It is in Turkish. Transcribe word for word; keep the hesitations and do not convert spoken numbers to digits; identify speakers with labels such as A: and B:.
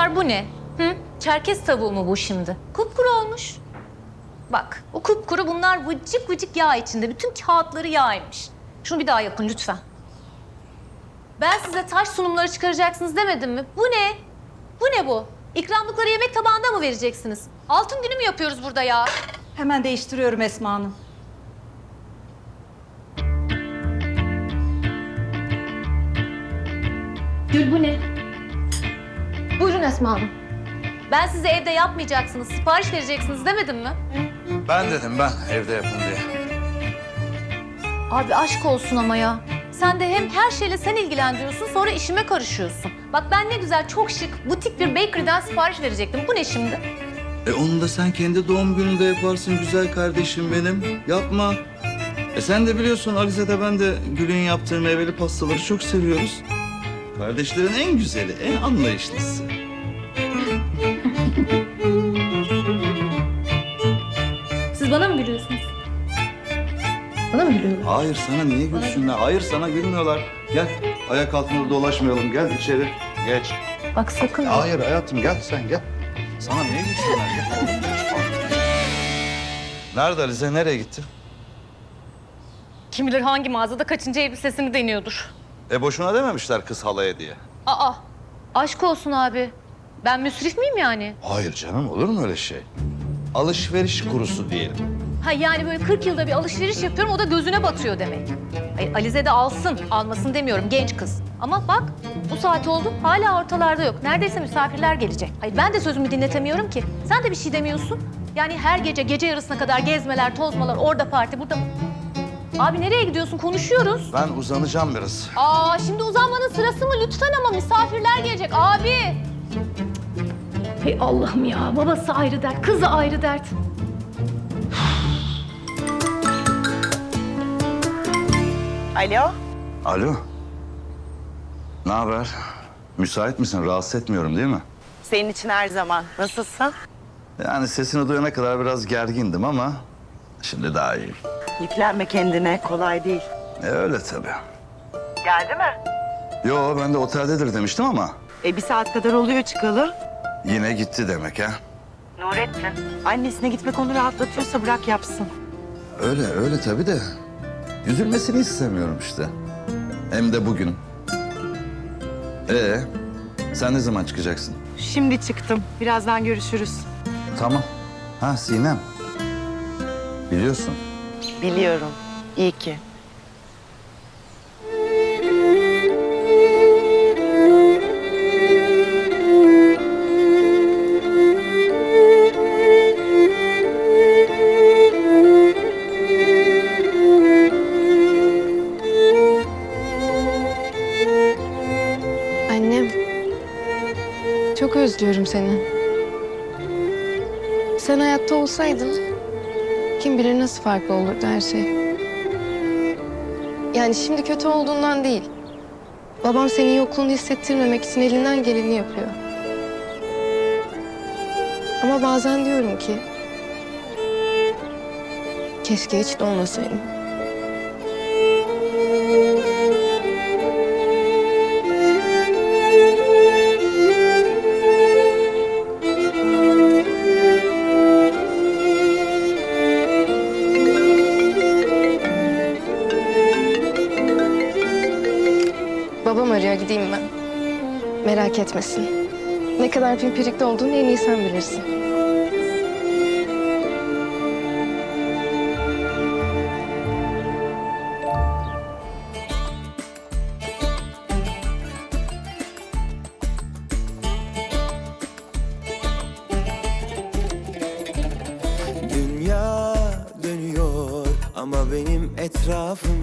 A: Kızlar bu ne? Hı? Çerkez tavuğu mu bu şimdi? Kupkuru olmuş. Bak o kupkuru, bunlar vıcık vıcık yağ içinde. Bütün kağıtları yağymış. Şunu bir daha yapın lütfen. Ben size taş sunumları çıkaracaksınız demedim mi? Bu ne? Bu ne bu? İkramlıkları yemek tabağında mı vereceksiniz? Altın günü mü yapıyoruz burada ya?
B: Hemen değiştiriyorum Esma Hanım.
A: Gül bu ne? Buyurun Esma Hanım. Ben size evde yapmayacaksınız, sipariş vereceksiniz demedim mi?
C: Ben dedim ben evde yapın diye.
A: Abi aşk olsun ama ya. Sen de hem her şeyle sen ilgilendiriyorsun, sonra işime karışıyorsun. Bak ben ne güzel, çok şık, butik bir bakery'den sipariş verecektim. Bu ne şimdi?
C: E onu da sen kendi doğum gününde yaparsın güzel kardeşim benim. Yapma. E sen de biliyorsun Alize de ben de Gül'ün yaptığı meyveli pastaları çok seviyoruz. Kardeşlerin en güzeli, en anlayışlısı.
A: Siz bana mı gülüyorsunuz? Bana mı gülüyorlar?
C: Hayır sana niye gülsünler? Hayır sana gülmüyorlar. Gel ayak altında dolaşmayalım. Gel içeri. Geç.
A: Bak sakın.
C: Hayır hayatım gel sen gel. Sana niye gülsünler? Gel. Nerede Alize? Nereye gitti?
A: Kim bilir hangi mağazada kaçıncı elbisesini deniyordur.
C: E boşuna dememişler kız halaya diye.
A: Aa, aşk olsun abi. Ben müsrif miyim yani?
C: Hayır canım olur mu öyle şey? Alışveriş kurusu diyelim.
A: Ha yani böyle kırk yılda bir alışveriş yapıyorum, o da gözüne batıyor demek. Ay, Alize de alsın, almasın demiyorum, genç kız. Ama bak, bu saat oldu, hala ortalarda yok. Neredeyse misafirler gelecek. Hayır ben de sözümü dinletemiyorum ki. Sen de bir şey demiyorsun. Yani her gece, gece yarısına kadar gezmeler, tozmalar, orada parti, burada... Abi nereye gidiyorsun? Konuşuyoruz.
C: Ben uzanacağım biraz.
A: Aa şimdi uzanmanın sırası mı? Lütfen ama misafirler gelecek abi. Hey Allah'ım ya, babası ayrı dert, kızı ayrı dert.
D: Alo,
C: Alo. Ne haber? Müsait misin? Rahatsız etmiyorum değil mi?
D: senin için her zaman. Nasılsın?
C: Yani sesini duyana kadar biraz gergindim ama şimdi daha iyiyim.
D: Yüklenme kendine, kolay değil.
C: E öyle tabii.
D: Geldi mi?
C: Yo ben de oteldedir demiştim ama
D: E bir saat kadar oluyor çıkalı.
C: yine gitti demek ha.
D: Nurettin. Annesine gitmek onu rahatlatıyorsa bırak yapsın.
C: Öyle öyle tabii de üzülmesini istemiyorum işte. Hem de bugün. Ee, sen ne zaman çıkacaksın?
D: Şimdi çıktım. Birazdan görüşürüz.
C: Tamam. Ha Sinem. Biliyorsun.
D: Biliyorum. İyi ki.
E: Annem, çok özlüyorum seni. Sen hayatta olsaydın, kim bilir nasıl farklı olurdu her şey. Yani şimdi kötü olduğundan değil. Babam senin yokluğunu hissettirmemek için elinden geleni yapıyor. Ama bazen diyorum ki, keşke hiç de olmasaydım. Babam arıyor, gideyim ben. Merak etmesin. Ne kadar pimpirikli olduğunu en iyi sen bilirsin.
F: Dünya dönüyor ama benim etrafım